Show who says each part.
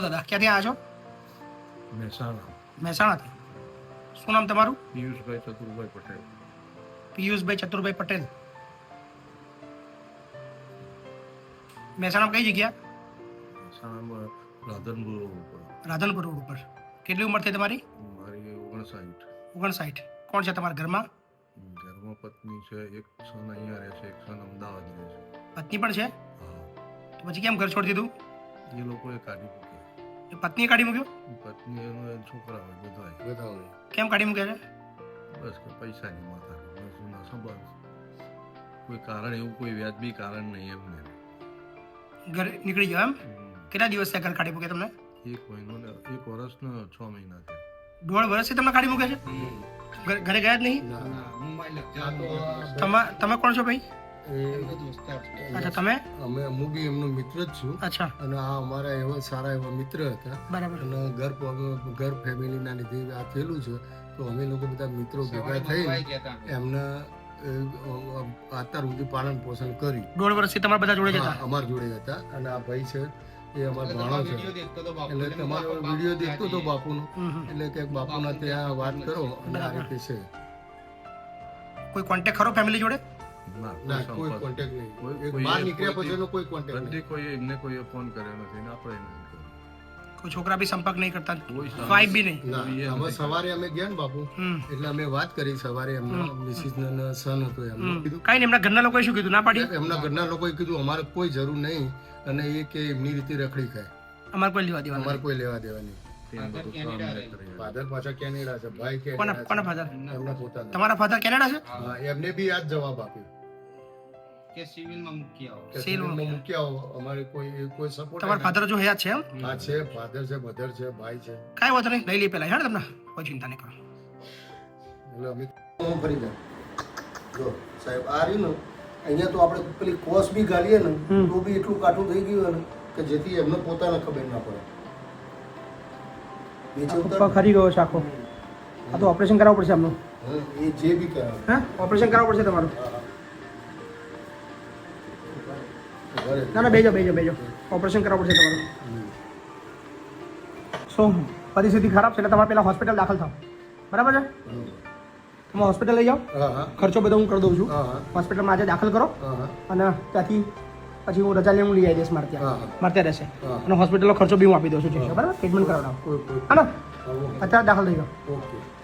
Speaker 1: દાદા ક્યાંથી આવ્યા છો? મહેસાણાથી. શું નામ તમારું?
Speaker 2: પિયુષભાઈ ચતુરભાઈ પટેલ.
Speaker 1: પિયુષભાઈ ચતુરભાઈ પટેલ. મહેસાણામાં કઈ જગ્યા?
Speaker 2: મહેસાણામાં રાધનપુર રોડ ઉપર.
Speaker 1: રાધનપુર રોડ ઉપર. કેટલી ઉંમર થઈ તમારી?
Speaker 2: મારી 59.
Speaker 1: 59. કોણ છે તમારા ઘરમાં?
Speaker 2: ઘરમાં પત્ની છે, એક સન અહીંયા રહે છે, એક સન અમદાવાદ રહે છે.
Speaker 1: પત્ની પણ છે?
Speaker 2: હા.
Speaker 1: તો પછી કેમ ઘર છોડી દીધું?
Speaker 2: એ લોકોએ કાઢી મૂક્યા.
Speaker 1: એ પત્નીએ કાઢી મૂક્યો?
Speaker 2: પત્ની એનો છોકરા હોય બધા હોય.
Speaker 1: કેમ કાઢી મૂક્યા છે?
Speaker 2: બસ કે પૈસાની માથા ના સંબંધ. કોઈ કારણ એવું કોઈ વ્યાજબી કારણ નહીં એમને.
Speaker 1: ઘર નીકળી ગયો એમ? કેટલા દિવસ થયા ઘર કાઢી મૂક્યા તમને?
Speaker 2: 1 મહિનો ને 1 વર્ષ ને 6 મહિના થયા.
Speaker 1: 1.5 વર્ષથી તમને કાઢી મૂક્યા છે? ઘરે ગયા જ નહીં? તમે કોણ છો ભાઈ? અચ્છા તમે?
Speaker 3: હું બી એમનો મિત્ર જ છું.
Speaker 1: અચ્છા.
Speaker 3: અને આ અમારા એવા સારા એવા મિત્ર હતા.
Speaker 1: બરાબર.
Speaker 3: અને ઘર ફેમિલીના લીધે આ થયેલું છે. તો અમે લોકો બધા મિત્રો ભેગા થઈ એમના અત્યાર સુધી પાલન પોષણ કરી.
Speaker 1: 1.5 વર્ષથી તમારા બધા જોડે જતા?
Speaker 3: અમારા જોડે હતા. અને આ ભાઈ છે એ અમારો ભાણો છે. એટલે તમારો વિડીયો દેખતો હતો બાપુનો. એટલે કે બાપુના ત્યાં વાત કરો અને આ રીતે છે.
Speaker 1: કોઈ કોન્ટેક્ટ ખરો ફેમિલી જોડે?
Speaker 3: ના, કોઈ કોન્ટેક્ટ નહીં. બહાર નીકળ્યા પછીનો કોઈ કોન્ટેક્ટ નહીં.
Speaker 2: કોઈ એમને કોઈ ફોન કર્યો નથી ને આપણે નહીં કર્યો.
Speaker 1: કોઈ છોકરા બી સંપર્ક નહીં કરતા?
Speaker 2: કોઈ
Speaker 1: વાઈફ બી નહીં?
Speaker 3: ના, અમે સવારે અમે ગયા ને બાપુ એટલે અમે વાત કરી સવારે. એમના મિસિસ ને સન હતો એમનો કીધું
Speaker 1: કઈ નહીં. એમના ઘરના લોકોએ શું કીધું? ના પાડી?
Speaker 3: એમના ઘરના લોકોએ કીધું અમારે કોઈ જરૂર નહીં. અને એ કે એમની રીતે રખડી ખાય,
Speaker 1: અમારે કોઈ લેવા દેવા
Speaker 3: અમારે કોઈ લેવા દેવા નહીં. ફાધર પાછા કેનેડા છે, ભાઈ
Speaker 1: કોના
Speaker 3: કેનેડા
Speaker 1: ફાધર?
Speaker 3: છે. એમના પોતાના.
Speaker 1: તમારા ફાધર કેનેડા છે?
Speaker 3: હા, એમને બી આ જ જવાબ આપ્યો
Speaker 4: કે સિવિલમાં મૂકી આવો.
Speaker 3: કે સિવિલમાં મૂકી આવો, અમારે કોઈ સપોર્ટ.
Speaker 1: તમારા ફાધર જો હયાત છે એમ?
Speaker 3: હા છે, ફાધર છે, મધર છે, ભાઈ છે.
Speaker 1: કાંઈ વાંધો નહીં, લઈ લઈએ પેલા હેડ તમને, કોઈ ચિંતા નહીં કરો.
Speaker 3: એટલે અમે ફરી જાય. જો સાહેબ આ રહ્યું ને અહીંયા તો આપણે પેલી કોસ બી ગાલીએ ને તો બી એટલું કાઠું થઈ ગયું ને કે જેથી એમને પોતાને ખબર ના પડે.
Speaker 1: પગ ખરી ગયો છે આખો. આ તો ઓપરેશન કરાવવું પડશે આમનું.
Speaker 3: એ જે બી કરાવે.
Speaker 1: હા, ઓપરેશન કરાવવું પડશે તમારું. ના ના, બેજો. ઓપરેશન કરાવવું પડશે તમારું. શું પરિસ્થિતિ ખરાબ છે એટલે તમારે પેલા હોસ્પિટલ દાખલ થાવ. બરાબર છે? તમે હોસ્પિટલ લઈ જાઓ. ખર્ચો બધો હું કરી દઉં છું. હોસ્પિટલમાં આજે દાખલ કરો અને ત્યાંથી પછી હું રજા લઈને હું લઈ આવી દઈશ મારે ત્યાં રહેશે. અને હોસ્પિટલનો ખર્ચો બી હું આપી દઉં છું. બરાબર? ટ્રીટમેન્ટ કરાવડાવો. હા ને? અત્યારે દાખલ થઈ જાઓ.
Speaker 3: ઓકે.